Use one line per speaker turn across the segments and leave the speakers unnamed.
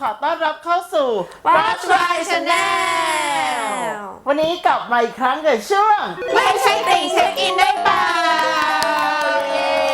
อต้อนรับเข้าสู่
Watch My Channel
วันนี้กลับมาอีกครั้งกับช่วง
ไม่ใช่ติ่งเช็คอินได้เปล่าเย้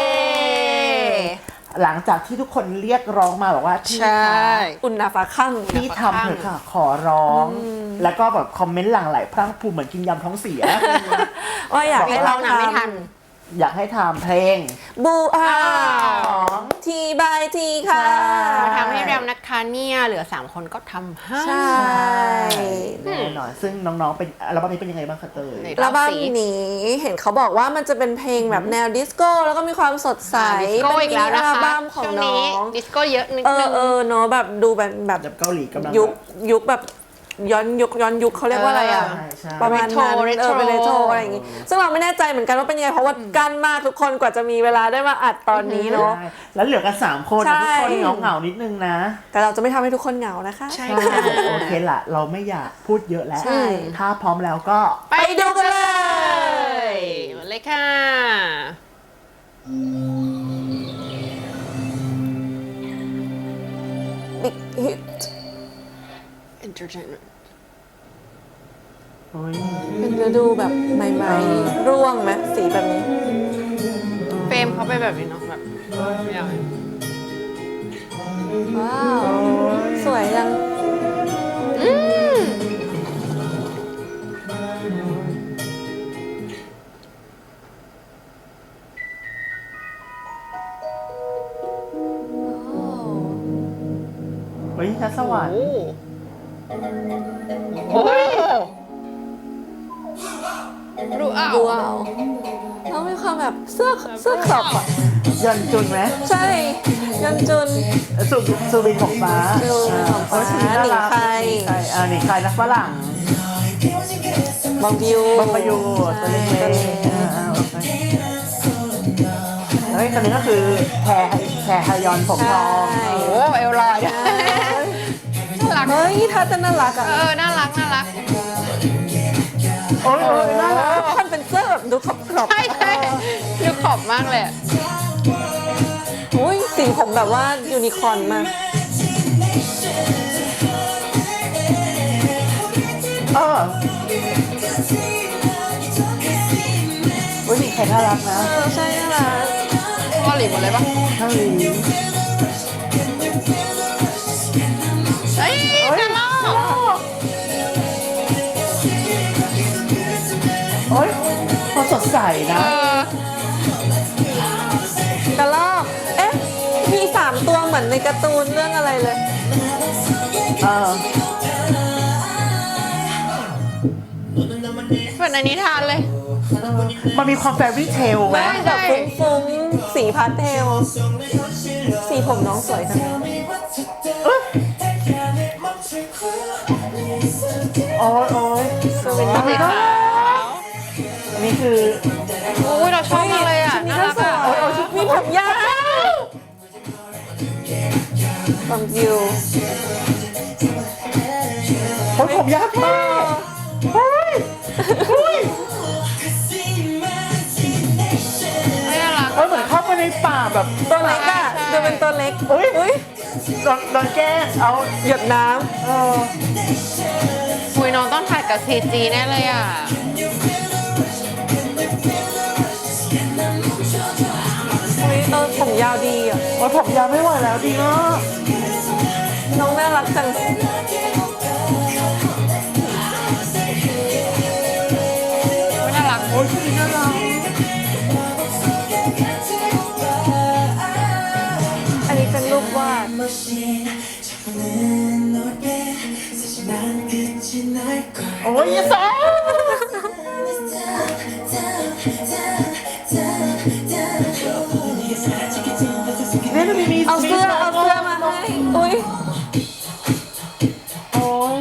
หลังจากที่ทุกคนเรียกร้องมาบอกว่าพี่
ใช่
คะ
อุณนาฟ้าคั่ง
พี่ทำเถอะค่ะ ขอร้อง แล้วก็แบบคอมเมนต์หลั่งไหลพรั่งพรูเหมือนกินยำท้องเสีย
ว่าอยากให้เราทำ
อยากให้ทำเพลง
บูอาทีบายทีค่ะ
มาทำให้เรานะคะเนี่ยเหลือ3คนก็ทำให้
ใช่
แน่นอนซึ่งน้องๆเป็นอัลบั้มนี้เป็นยังไงบ้างคะเตย
แล้วบ้านนี้เห็นเขาบอกว่ามันจะเป็นเพลงแบบแนวดิสโก้แล้วก็มีความสดใส
ดิสโก้อีกแล้วนะคะ
อัลบั้มของ
ช่วง
น้
นี้
อง
ดิสโก้เยอะนิดนึง
เนาะแบบดูแบบ
แบบเกาหลีกำลัง
ยุคแบบย้อนยุคเขาเรียกว่าอะไรอ่ะ
ใช่
ประมาณนั้น
เรโทร
เป็นเรโทรอะไรอย่างงี้ซึ่งเราไม่แน่ใจเหมือนกันว่าเป็นยังไงเพราะว่ากั้นมากทุกคนกว่าจะมีเวลาได้มาอัดตอนนี้เนาะ
ใช่แล้วเหลือกัน3 คน
ใช่
ทุกคนเหงาๆนิดนึงนะ
แต่เราจะไม่ทำให้ทุกคนเหงานะคะ
ใช่
ใช่
ค่ะ
โอเคละเราไม่อยากพูดเยอะแล้ว
ใช่
ถ้าพร้อมแล้วก็
ไปดูกันเลยมาเลยค่ะ
บิ๊กฮิต
entertainment
โอ้ย
เป็นฤดูแบบใหม่ๆร่วงไหมสีแบบนี้
เฟรมเขาไปแบบนี้เนาะแบบไม่เอา
ว้าว สวยจัง
เฮ้ยชัดสวรรค์
โอ้ยรู้อ้าว
ดูเอาแล้วมีความแบบเสื้อขอบอ่ะ
ยันจุนไหม
ใช่ยอนจุน
สุรินทร์ของฟ้า
สุรินทร์ของฟ้า
ชีวิตน่ารัก
หนิงไค
หนิงไคนักฝรั่ง
บองบิว
บางประยูตัวเล็ก
ตัวเล็ก
ๆเฮ้ยคนนี้ก็คือแพรฮยอนผมทอง
ใช่
โอ้เอลลอยด้วยน่ารัก
เฮ้ยท่าเต้นน่ารักอ่ะ
น่ารักน่ารัก
โอ้ยน่ารัก
มันเป็นเสื้อแบบดูขอบๆ
ใช่ใช่ดูขอบมากเลยอะ
อุ้ยสีผมแบบว่ายูนิคอร์นมาก
เออโอ้ยหนิงไคน่ารักนะ
ใช่น่ารัก
เกาหลีหมดเลยปะ
เกาหลี
เฮ้ยน่ารัก
โอ้ยเขาสดใสนะ
กระลอกเอ๊ะมี3 ตัวเหมือนในการ์ตูนเรื่องอะไรเลย
เออ
เหมือนในนิทานเลย
มันมีความแฟรี่เทลไหม
แบบฟุ้งๆสีพาสเทล สีผมน้องสวยจัง
โอ้ยโอ้ย
สวิน
อัน
เท
นี้
ล
ก็อันนี้คือ
โอ้ยเราชอบมากเลยอ่ะ
นี่
น่า
ก็
รัก
สว
อ่ะ
ยมีผมยาวบองบิว
โอ้ยผมยาวแท้เฮ้ยเฮ้ย
ไม่น่ารัก
เฮ้ยเหมือนเข้าไปในป่าแบบ
ตัวเล็กอ่ะ
ใช่
ดูเป็นตัวเล็ก
อุ๊ย
อุ้ย
โดนแกล้งเอา
หยดน้
เออ
คุยน้องต้องถ่ายกับ CG แน่เลยอ่ะ
ำอุ้ยผมยาวดีอ่ะ
โอ้ยผมยาวไม่ไหวแล้วดีมาก
น้องน่ารักจัง
ไม่น่ารัก
โอ้ยชุดนี้น่ารัก
อันนี้เป็นรูปวาด
โอ้ยยี่สองเนี่ยมันมี
เอาเสื้อมาให้ อุ้ย
โอ้ย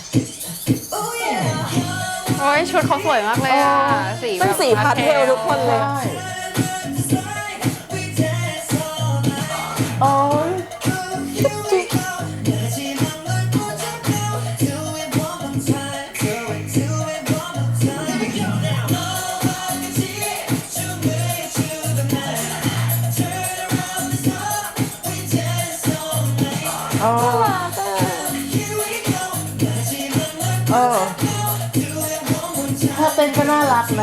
โอ้ยชุดเขาสวยมากเลยอ่ะ สีแบบ
เป็นสีพาสเทลทุกคนเลย
ใช่โอ้ย
น่ารักอะ
ถ้าเต้นก็น่ารักนะ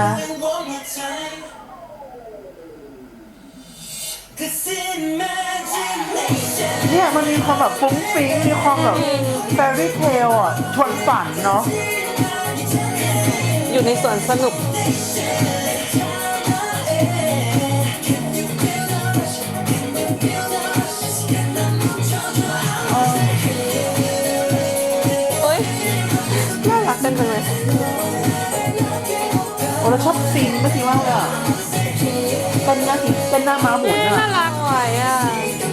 เนี่ยมันมีความแบบฟุ้งฟิ้งมีความแบบแฟรี่เทลอ่ะชวนฝันเนาะ
อยู่ในสวนสนุกเอ้ยน่ารักกันจังเลย
โอ้เราชอบซีนเมื่อกี้มากเลยอ่ะเต้นหน้าเต้นหน้าม้าหมุน
น่า
อ่ะ
รักไหวอ่ะ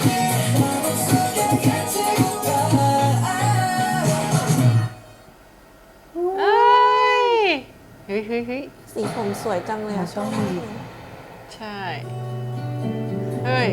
เอ้ยเฮ้ยเฮ้ยเฮ้ย
สีผมสวยจังเลยอ่ะ
ชอบมี
ใช่เฮ้ย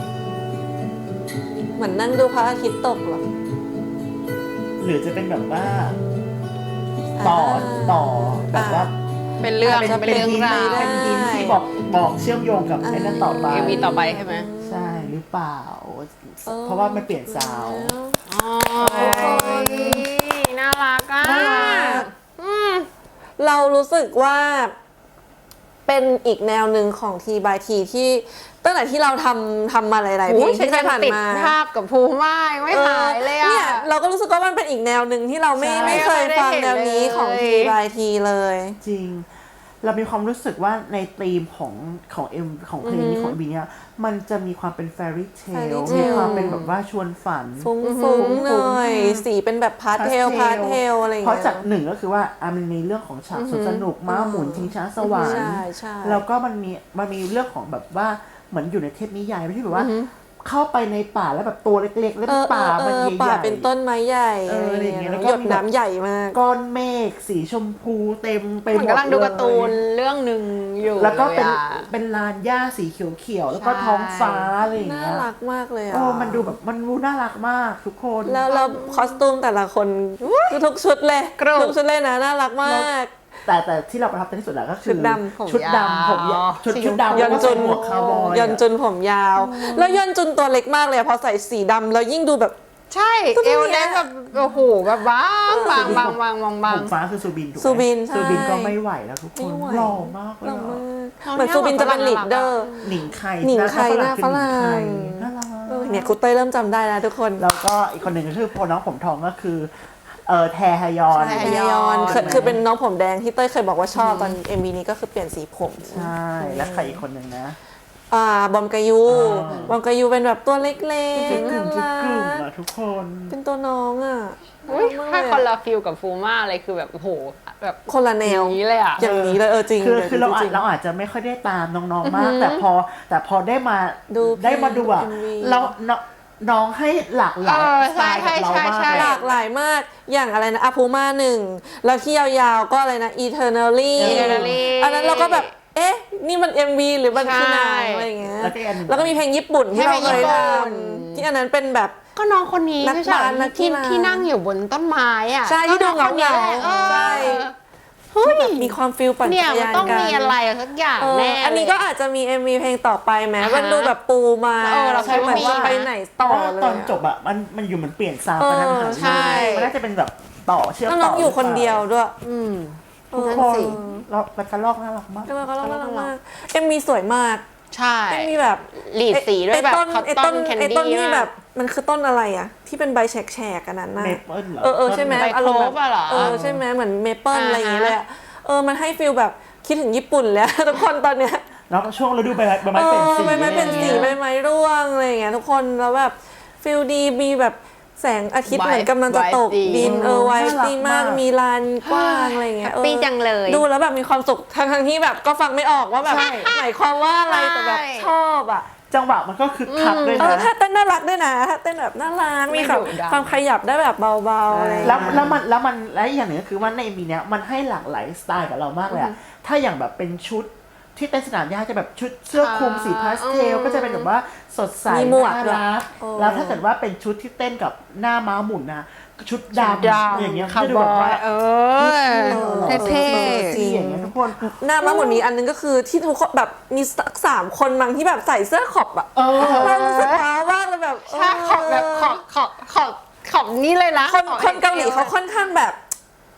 เหมือนนั่งดูพระอาทิตย์ตกเหรอ
หรือจะเป็นแบบว่า ต่อแบบว่า
เป็นเรื่อง
เป็น
เป็นเรื่องราว
เป็นทีมที่บอกเชื่อมโยงกับไอ้นั่นต่อไป
เอ็มวีต่อไปใช่ไหม
ใช่หรือเปล่า เพราะว่ามันเปลี่ยนซาวด์
อ๋อน่ารักอ่ะ
น่ารัก
อืม
เรารู้สึกว่าเป็นอีกแนวหนึ่งของทีบายทีที่ตั้งแต่ที่เราทำมาหลายๆเพล
โอ้
ง
ยฉัน
ที่เค
ยั
ย
ง
ผ่าน
ติด
มา
ภาพกับภูมิมากยังไม่หายเลยอ่ะ
เนี่ยเราก็รู้สึกว่ามันเป็นอีกแนวหนึ่งที่เราไม่เคยฟังแนวนี้ของทีบายทีเลย
จริง เรามีความรู้สึกว่าในธีมของเอ็มของเพลงนี้ของบีเนี่ยมันจะมีความเป็นแฟรี่เท
Fairy
ล
tale
มีความเป็นแบบว่าชวนฝัน
ฟุ้งๆหน่อยสีเป็นแบบพาสเทลอะไรอย่าง
เพราะ
เงี้ย
จากหนึ่งก็คือว่ามันมีเรื่องของฉากสนุกม้าหมุนชิงช้าสวรรค์
ใช่
แล้วก็มันมีเรื่องของแบบว่าเหมือนอยู่ในเทพนิยายที่แบบว่า เข้าไปในป่าแล้วแบบตัวเล็กๆ แล้วป่ามันใหญ่ๆ
ป่าเป็นต้นไม้ใหญ่
อะไรอย่างเงี้ยแล้ว
ห
ก็
ยดน้ำใหญ่มาก
ก้อนเมฆสีชมพูเต็มไปห
เหมื
ม
อน
ด
กำลังดูการ์ตูน
เลย
เรื่องหนึ่งอยู่
แล้วก็เป็น
ลยอะ
เป็นลานหญ้าสีเขียวๆแล้วก็
ใช่
ท้องฟ้าอะไรอย่าง
น่า
เงี้ย
รักมากเลยอ่ะ
โอ้มันดูแบบมันดูน่ารักมากทุกคน
แล้วคอสตูมแต่ละคนทุกชุดเลย
กรุบ
ทุกชุดเลยนะน่ารักมาก
แต่ที่เราประทับใจที่สุดแล้วก็คือ
ชุดดำ
ชุดดำผมยาวชุดดำ
ยอนจุน
แล้วก็ใส่หมวกคาวบอย
ยอนจุนผมยาว แล้วยอนจุนตัวเล็กมากเลยอะพอใส่สีดำแล้วยิ่งดูแบบ
ใช่
ตัว
เอ
เนี้ย
วเล็กแบบโอ้โหแบบบางบางบางบางบางบาง
ผมฟ้าคือซูบินถูกไหม
ซูบินใช่
ซูบินก็ไม่ไหวแล้วทุกคน
ไม่ไหว
หล่อมากเลย
เรา
อะ
มากเหมือนซูบินจะเป็นลีดเดอร์
หนิงไข่
หนิงไข่หน้าฝรั่ง
คือหนิงไข่น่ารัก
เนี่ยครูเต้ยเริ่มจำได้แล้วทุกคน
แล้วก็อีกคนหนึ่งก็คือพอน้องผมทองก็คือแทฮยอน
ใช่
แฮยอนคือเป็นน้องผมแดงที่เต้ยเคยบอกว่าชอบตอน MV นี้ก็คือเปลี่ยนสีผม
ใช่แล้วใครอีกคนหนึ่งนะ
บอมกายู
อ่า
บอมกายูเป็นแบบตัวเล็ก
จุด
ๆ
กลุ่
น่าม
จุด
รั
กลุ่ม
ก
อะทุกคน
เป็นตัวน้องอ่ะ
อุ้ย
น่า
ถ้า
รัก
คน
มากเลย
ละฟิลกับฟูม่าเลยคือแบบโอ้โหแบบ
คนละแนว
อย่างนี้เลยอ่ะ
อย่างนี้เลยจริง
คือเรา
จง
เราอาจจะไม่ค่อยได้ตามน้องๆมาก แต่พอได้มา
ดู
ได้มาดูอ่ะ
MV
เราน้องให้หลากหลายสไตล์กับเรามาก
ใช่
หลากหลายมากอย่างอะไรนะอาพูมาหนึ่งแล้วที่ยาวๆก็อะไรนะ Eternally
Eternally
อันนั้นเราก็แบบเอ๊ะนี่มัน MV หรือมันคือหนัง
ใช่
อะไรอย่างเงี้ย
แล้วก็อีกอันหนึ่ง
แล้วก็มีเพลงญี่ปุ่นที่เราเคยท
เพลงญี่ปุ่น
ำที่อันนั้นเป็นแบบ
ก็น้องคนนี้
นัก
ไม่ใช่เหรอ
นักกี
ที่
ฬา
ที่นั่งอยู่บนต้นไม้อ่ะ
ใช่ที่ดู
ก็น้องคนนี้
เหงาๆ
แหละ
ใช่
เฮ้ย
แบบมีความฟิลปั่น
เนี่ย
จักร
มัน
ยาน
ต้อง
กัน
มีอะไรสักอย่าง
เออ
แน่
อันนี้ก็
เลย
อาจจะมี MV เพลงต่อไปไหม
อ่าฮะ
มันดูแบบปูมา
เออเราคิดว่า
เหมือนว่า
มี
ไปไหนต่อเลย
ตอนจบอ่ะมันอยู่เหมือนเปลี่ยนซาวด์กัน
ใช่
มันน่าจะเป็นแบบต่อเชื่อม
แล้ว
ต่
น้
อ
องอยู่คนเดียวด้วย
อืม
ทุก
นั่น
คน
สิ
เราแล้วกระลอกน่ารักมาก
ก็น่ารักมากMVสวยมาก
ใช่
มีแบบ
หลีดสีด้วยแบบ
ไอ้
คอตต
ต้
อน นแคน
ไอ้ต้น
ดี้
ที่แบบมันคือต้นอะไรอ่ะ ที่เป็นใบแฉกๆอันนั้นน่ะ
เมเปิลเหรอ
ใช่ไหม
ใบ
อารมณ์แบบ
โคฟอะเหรอ
ใช่ไหมเหมือนเมเปิล
อ่าฮะ
อะไรอย่างเงี้ยเลยอะมันให้ฟีลแบบคิดถึงญี่ปุ่นแล้ว ทุกคนตอนเนี้ย
แล้วก็ช่วงฤดูใบไม้เปลี่ยนสี
ใบไม้เป็นสีใบไม้ร่วงอะไรอย่างเงี้ยทุกคนแล้วแบบฟีลดีมีแบบแสงอาทิตย์เหมือนกำลังจะตกดินไวท์ดีมากมีลานกว้างอะไรอย่างเงี้ย
แฮปปี้จังเลย
ดูแล้วแบบมีความสุขทั้งที่แบบก็ฟังไม่ออกว่าแบบหมายความว่าอะไรแต่แบบ
ใช่
ชอบอ่ะ
จังหวะมันก็คึกคักด้วยนะ
ถ้าเต้นน่ารักด้วยนะถ้าเต้นแบบน่ารักมีแบบ
ไม่ดุดัน
ความขยับได้แบบเบาๆอะไรอย่าง
แล้
เงี้
วย แล้วอีกอย่างหนึ่งก็คือว่าในมีเนี้ยมันให้หลากหลายสไตล์กับเรามากเลยอะถ้าอย่างแบบเป็นชุดที่เต้นสนามหญ้าจะแบบชุดเสื้อคลุมสีพาสเทลก็จะเป็นแบบว่าสดใส
มีหมวก
น่า
ด้วย
รัก
โอ้
แล้วถ้าเกิดว่าเป็นชุดที่เต้นกับหน้าม้าหมุนนะชุดดำอย่างเงี้ย
คา
จะ
ร์
ดู
บ
แบบ
อ
ว่าย
เท่
จริงอย่างเงี้ยทุกคน
หน้าม้าหมุนมีอันนึงก็คือที่ทุกคนแบบมีสัก3 คนบางที่แบบใส่เสื้อขอบอะเรารู้สึกว้าวมากเลยแบบ
ๆถ้าขอบแบบขอบนี่เลยนะ
คนเกาหลีเขาค่อนข้างแบบ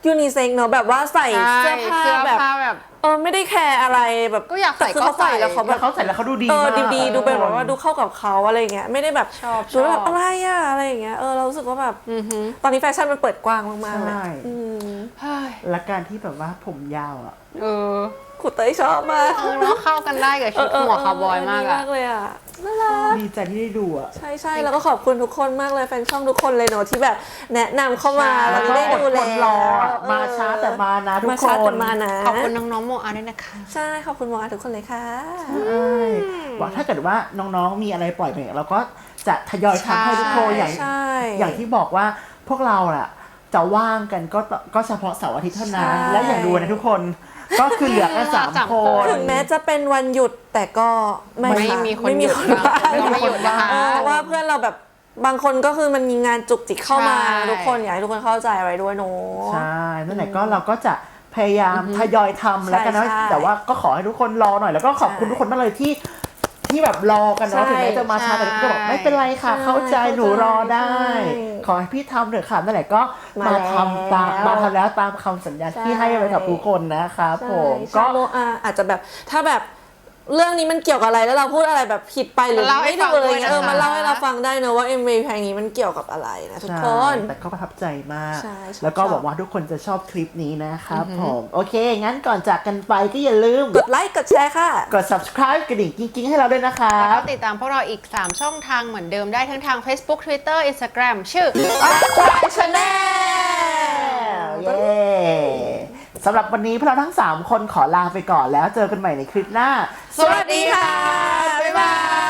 ยูนิเซ็กเนอะแบบว่าใส่เสื้อผ้า
เสื้อ
แบบ
ผ้าแบบ
ไม่ได้แคร์อะไรแบบ
ก็อยากใส่
แต่คือ
ก็
เขาใส่
ใส่
แล้วเขาแบ
แล้ว
บ
เขาใส่แล้วเขาดูดี
ดู
มาก
ดีดูเป็นแบบว่าดูเข้ากับเขาอะไรเงี้ยไม่ได้แบบ
ชอบ
ดูแบบอะไรอะอะไรอย่างเงี้ยเรารู้สึกว่าแบบตอนนี้แฟชั่นมันเปิดกว้างมากๆเลย
ใช่
เฮ้ย
และการที่แบบว่าผมยาวอ่ะ
เออ
ขุดเตยชอบมาก
เนาะเข้ากันได้กับชุดหัวคาวบอยมาก
ดี
อะ
มากเลยอะน่ารัก
ดีใจที่ได้ดูอ่ะ
ใช่แล้วก็ขอบคุณทุกคนมากเลยแฟนช่องทุกคนเลยเนอะที่แบบแนะนำเข้ามา
ใช่
แล้ว
ก็
ได้
อด
ดู
ท
แล้
น
ว
รออะมาช้าแต่มานะทุก
มา
ค
ช้าแต่
น
มานะ
ขอบคุณน้องๆโมอาด้วยนะคะ
ใช่ขอบคุณหมอทุกคนเลยค่ะ
ใช่ว่าถ้าเกิดว่าน้องๆมีอะไรปล่อยไปเราก็จะทยอยทำให้ทุกคนอย่าง
ใช่
อย่างที่บอกว่าพวกเราอะจะว่างกันก็เฉพาะเสาร์อาทิตย์เท่านั้น
ใช่
และอย่างดูนะทุกคนก็คือเหลือแค่สาม
สาม
ค
คน
น
ถึงแม้จะเป็นวันหยุดแต่ก็ไม่
ไม่
ค่ะ
มีคน
ไม่มี
หยุด
คน
นะ
ว่าง
เราไม่หยุดนะคะ
เพราะว่าเพื่อนเราแบบบางคนก็คือมันมีงานจุกจิกเข้ามา
ใช่
ทุกคนอยากให้ทุกคนเข้าใจไว้ด้วยเนอะ
ใช่นั่นแหละก็เราก็จะพยายามทยอยทำแล้วกันนะ
ใช่
แต่ว่าก็ขอให้ทุกคนรอหน่อยแล้วก็ขอบคุณทุกคนมากเลยที่แบบรอกันเนาะ
ใช่
ถึงแม้จะมาช้าแต่ก็บอกไม่เป็นไรค่ะ
ใช่
เข้าใจหนูรอได้
ใช่
ขอให้พี่ทำเถอะค่ะนั่นแหละก็
มา
มาทำตาม
แล้ว
มาทำแล้วตามคำสัญญาที่ให้ไว้กับทุกคนนะครับผม
ก็
ก็
อาจจะแบบถ้าแบบเรื่องนี้มันเกี่ยวกับอะไรแล้วเราพูดอะไรแบบผิดไปหรือ
มาเล่าให้
ไม่ถูกเลย
ฟังด้วยนะคะ
มาเล่าให้เราฟังได้เนอะว่า MV เพลงนี้มันเกี่ยวกับอะไรนะทุกคน
ใช่แต่ก็ประทับใจมาก
ใช่ชอบ
แล้วก็หวังว่าทุกคนจะชอบคลิปนี้นะครับผมโอเค งั้นก่อนจากกันไปก็อย่าลืม
กดไลค์กดแชร์ค่ะ
กด subscribe กระดิ่งกิ๊งๆให้เราด้วยนะครั
แล้ว
บ
ก็ติดตามพวกเราอีก 3 ช่องทางเหมือนเดิมได้ทั้งทาง Facebook Twitter Instagram ชื่อ
Channel
เย้สำหรับวันนี้พวกเราทั้ง 3 คนขอลาไปก่อนแล้วเจอกันใหม่ในคลิปหน้า
สวัสดีค่ะ บ๊ายบาย